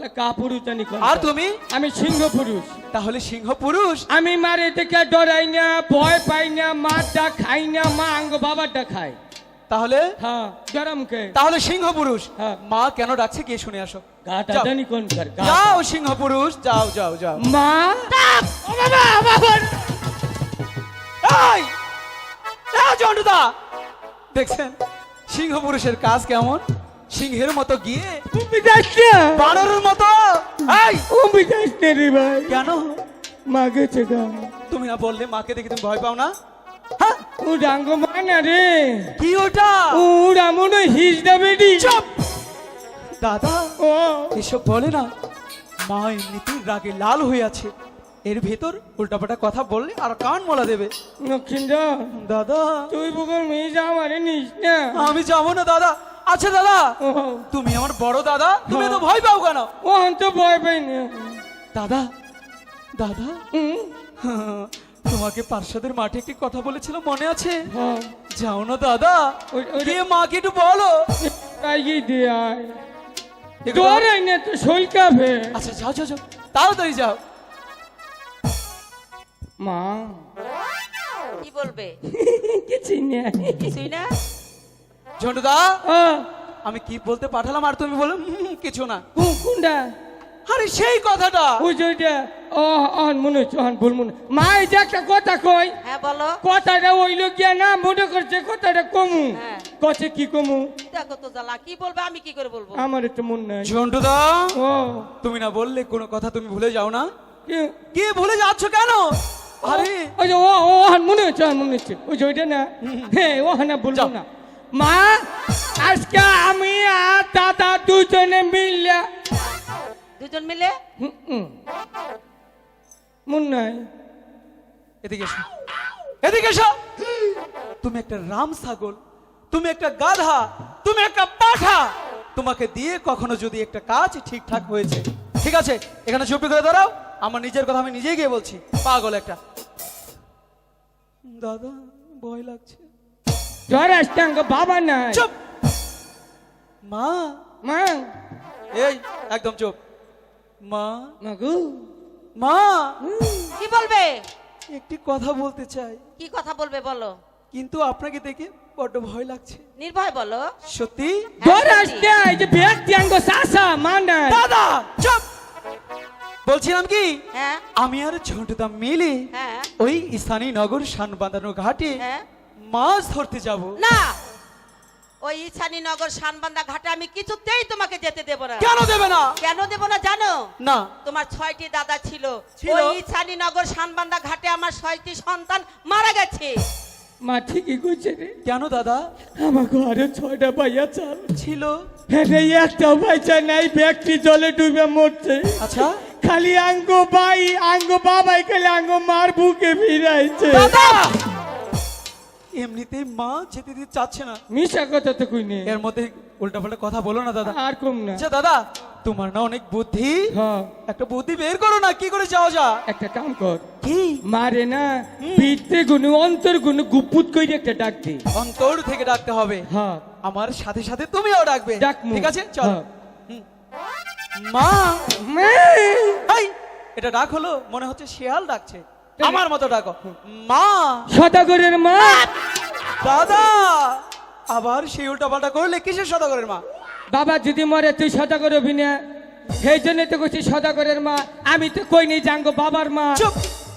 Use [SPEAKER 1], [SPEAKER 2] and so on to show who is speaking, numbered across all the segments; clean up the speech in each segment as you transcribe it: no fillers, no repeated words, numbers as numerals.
[SPEAKER 1] কাপুরুষ জানি কোন।
[SPEAKER 2] আর তুমি?
[SPEAKER 1] আমি সিংহ পুরুষ।
[SPEAKER 2] তাহলে সিংহ পুরুষ।
[SPEAKER 1] আমি মারে থেকে ডরাই না, ভয় পাই না, মারটা খাই না, মা আঙ্গ বাবারটা খায়।
[SPEAKER 2] তাহলে
[SPEAKER 1] হ্যাঁ গরমকে।
[SPEAKER 2] তাহলে সিংহ পুরুষ।
[SPEAKER 1] হ্যাঁ।
[SPEAKER 2] মা কেন ডাকছে গিয়ে শুনে আসো।
[SPEAKER 1] গাটা
[SPEAKER 2] যাও।
[SPEAKER 1] জানি কোন কার।
[SPEAKER 2] যাও সিংহ পুরুষ, যাও যাও যাও।
[SPEAKER 1] মা ও বাবা বাবা।
[SPEAKER 2] এই জন্টুদা, দেখছেন সিংহ পুরুষের কাজ কেমন? সিংহের মতো গিয়ে
[SPEAKER 1] বিদাস না,
[SPEAKER 2] বানরের মতো। এই
[SPEAKER 1] ও বিদাস না রে ভাই।
[SPEAKER 2] কেন?
[SPEAKER 1] মা গেছে গা।
[SPEAKER 2] তুমি না বললে মাকে দেখে তুমি ভয় পাও না? হ্যাঁ?
[SPEAKER 1] ও ডাঙ্গ মা না রে।
[SPEAKER 2] কি ওটা?
[SPEAKER 1] ও রামন হিজ দা বেডি।
[SPEAKER 2] চুপ দাদা,
[SPEAKER 1] ও
[SPEAKER 2] এসব বলে না। মা এমনিতেই রাগে লাল হয়ে আছে, এর ভেতর উল্টাপাল্টা কথা বললে আর কান মোলা দেবে।
[SPEAKER 1] নক্ষিন্দর
[SPEAKER 2] দাদা
[SPEAKER 1] তুই বুকুর মেয়ে যা আমারে নিস না।
[SPEAKER 2] আমি যাবো না দাদা। আচ্ছা দাদা,
[SPEAKER 1] ও
[SPEAKER 2] তুমি আমার বড় দাদা, তুমি তো ভয় পাও কেন?
[SPEAKER 1] ও অন্ত ভয় পাই না।
[SPEAKER 2] দাদা দাদা,
[SPEAKER 1] হুম,
[SPEAKER 2] তোমাকে পার্শ্বদের মাঠে একটি কথা বলেছিল মনে আছে?
[SPEAKER 1] হ্যাঁ
[SPEAKER 2] যাও না দাদা,
[SPEAKER 1] ওই-
[SPEAKER 2] গিয়ে মাকে একটু বলো।
[SPEAKER 1] তাই দে আয় তোর এই না তো শৈল কাবে।
[SPEAKER 2] আচ্ছা যাও যাও যাও, তাড়াতাড়ি যাও।
[SPEAKER 1] মা
[SPEAKER 3] কি বলবে?
[SPEAKER 1] কিছু না।
[SPEAKER 3] কিছুই না।
[SPEAKER 2] ঝন্টুদা,
[SPEAKER 1] ও
[SPEAKER 2] আমি কি বলতে পাঠালাম আর তুমি বলো কিছু না।
[SPEAKER 1] কোনটা?
[SPEAKER 2] আরে সেই কথাটা।
[SPEAKER 1] ওই যে ওইটা। ও অন মনে হচ্ছে, অন ভুল মনে। মা এই যে একটা কথা কই,
[SPEAKER 3] হ্যাঁ বলো।
[SPEAKER 1] কথাটা ওইলো গিয়া না মনে করছে কথাটা কমু।
[SPEAKER 3] হ্যাঁ।
[SPEAKER 1] কছে কি কমু?
[SPEAKER 3] দেখো তো জ্বালা, কি বলবে আমি কি করে বলবো?
[SPEAKER 1] আমার একটু মন নাই।
[SPEAKER 2] ঝন্টুদা,
[SPEAKER 1] ও
[SPEAKER 2] তুমি না বললে কোনো কথা তুমি ভুলে যাও না?
[SPEAKER 1] কি-
[SPEAKER 2] কি ভুলে যাচ্ছ কেন? আরে
[SPEAKER 1] ওই যে ও অন মনে হচ্ছে, অন মনে হচ্ছে। ওই যে ওইটা না। হ্যাঁ ও না বলবো
[SPEAKER 2] যাও।
[SPEAKER 1] না। মা আজকে আমি আর দাদা দুজনে মিললে।
[SPEAKER 3] দুজন মিলে?
[SPEAKER 1] মন নাই।
[SPEAKER 2] এদিকে এসো, এদিকে এসো। তুমি একটা রাম ছাগল, তুমি একটা গাধা, তুমি একটা পাঠা। তোমাকে দিয়ে কখনো যদি একটা কাজ ঠিকঠাক হয়েছে, ঠিক আছে এখানে চুপি করে দাঁড়াও। আমার নিজের কথা আমি নিজেই গিয়ে বলছি। পাগল একটা। দাদা ভয় লাগছে।
[SPEAKER 1] জ্বর আসতে আঙ্গ বাবা নাই।
[SPEAKER 2] চুপ। মা,
[SPEAKER 1] মা
[SPEAKER 2] এই একদম চুপ। মা,
[SPEAKER 1] মাগু
[SPEAKER 2] মা
[SPEAKER 3] কি বলবে?
[SPEAKER 2] একটি কথা বলতে চাই,
[SPEAKER 3] কি কথা বলবে বলো।
[SPEAKER 2] কিন্তু আপনাকে দেখে বড্ড ভয় লাগছে।
[SPEAKER 3] নির্ভয় বলো।
[SPEAKER 2] সত্যি?
[SPEAKER 1] জ্বর আসতে এই যে ব্যক্তি আঙ্গ সাসা মা নাই।
[SPEAKER 2] দাদা চুপ। বলছিলাম কি,
[SPEAKER 3] হ্যাঁ
[SPEAKER 2] আমি আর ঝন্টুদা মিলে
[SPEAKER 3] হ্যাঁ
[SPEAKER 2] ওই স্থানীয় নগর শানবাঁধানো ঘাটে
[SPEAKER 3] হ্যাঁ।
[SPEAKER 2] মাছ ধরতে যাব।
[SPEAKER 3] না, ওই ইছানীনগর শানবান্দা ঘাটে আমি কিছুতেই তোমাকে যেতে দেব না।
[SPEAKER 2] কেন দেবে না?
[SPEAKER 3] কেন দেব না জানো?
[SPEAKER 2] না।
[SPEAKER 3] তোমার 6টি দাদা ছিল।
[SPEAKER 2] ছিল?
[SPEAKER 3] ওই ইছানীনগর শানবান্দা ঘাটে আমার 6টি সন্তান মারা গেছে।
[SPEAKER 1] মা ঠিকই কইছে রে।
[SPEAKER 2] কেন দাদা?
[SPEAKER 1] আমার ঘরে 6টা ভাইয়া চাল
[SPEAKER 2] ছিল।
[SPEAKER 1] হ্যাঁ রে, একটা ভাইচা নাই, ব্যক্তি জলে ডুবে মরছে।
[SPEAKER 2] আচ্ছা
[SPEAKER 1] খালি আঙ্গ ভাই আঙ্গ বাবাই খালি আঙ্গ মার বুকে ফিরাইছে।
[SPEAKER 2] দাদা, এমনিতেই মা যেতে দিতে চাচ্ছে না।
[SPEAKER 1] মিশা কথা তো কই নেই।
[SPEAKER 2] এর মধ্যে উল্টাপাল্টা কথা বলো না দাদা।
[SPEAKER 1] আর কম না।
[SPEAKER 2] আচ্ছা দাদা, তোমার না অনেক বুদ্ধি,
[SPEAKER 1] হ্যাঁ
[SPEAKER 2] একটা বুদ্ধি বের করো না, কি করে যাওয়া যা।
[SPEAKER 1] একটা কাম কর,
[SPEAKER 2] কি?
[SPEAKER 1] মারে না পিঠতে গুনে অন্তর গুনে গুপুত কইরে একটা ডাক দে।
[SPEAKER 2] অন্তর থেকে ডাকতে হবে।
[SPEAKER 1] হ্যাঁ
[SPEAKER 2] আমার সাথে সাথে তুমিও ডাকবে।
[SPEAKER 1] ডাকমু।
[SPEAKER 2] ঠিক আছে চল।
[SPEAKER 1] হ্যাঁ।
[SPEAKER 2] মা,
[SPEAKER 1] মা!
[SPEAKER 2] এই এটা ডাক হলো, মনে হচ্ছে শিয়াল ডাকছে। আমার মতো ডাকো, মা।
[SPEAKER 1] সদাগরের মা।
[SPEAKER 2] দাদা আবার সেই উল্টা পাল্টা করলে কিসের সদাগরের মা?
[SPEAKER 1] বাবা যদি মরে তুই সদাগর হবি না, সেই জন্য তো কইছি সদাগরের মা। আমি তো কই নেই জাঙ্গ বাবার মা।
[SPEAKER 2] চুপ।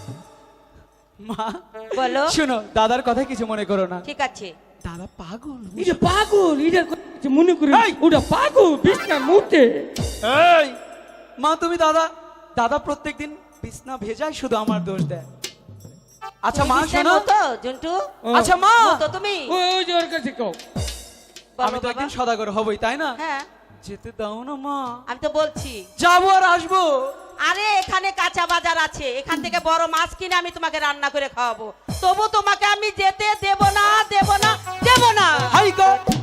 [SPEAKER 2] মা
[SPEAKER 3] বলো।
[SPEAKER 2] শুনো, দাদার কথা কিছু মনে করো না।
[SPEAKER 3] ঠিক আছে।
[SPEAKER 2] দাদা পাগল।
[SPEAKER 1] এটা পাগল, এটা কিছু মনে করি।
[SPEAKER 2] এই!
[SPEAKER 1] ওটা পাগল বিছনা মুতে।
[SPEAKER 2] এই মা, তুমি দাদা, দাদা প্রত্যেকদিন বিছনা ভেজায়, শুধু আমার দোষ দেয়। আচ্ছা মা শোনো।
[SPEAKER 3] তো জন্টু।
[SPEAKER 1] ও,
[SPEAKER 2] আচ্ছা মা,
[SPEAKER 3] তো তুমি
[SPEAKER 1] ওই যে ওর কাছে কও।
[SPEAKER 3] বলো
[SPEAKER 2] আমি তো
[SPEAKER 3] বাবা।
[SPEAKER 2] একদিন সদাগর হবই, তাই না?
[SPEAKER 3] হ্যাঁ
[SPEAKER 2] যেতে দাও না মা।
[SPEAKER 3] আমি তো বলছি।
[SPEAKER 2] যাবো আর আসবো।
[SPEAKER 3] আরে এখানে কাঁচা বাজার আছে, এখান থেকে বড় মাছ কিনে আমি তোমাকে রান্না করে খাওয়াবো। তবু তোমাকে আমি যেতে দেব না, দেব না, দেব না।
[SPEAKER 2] হাই গো।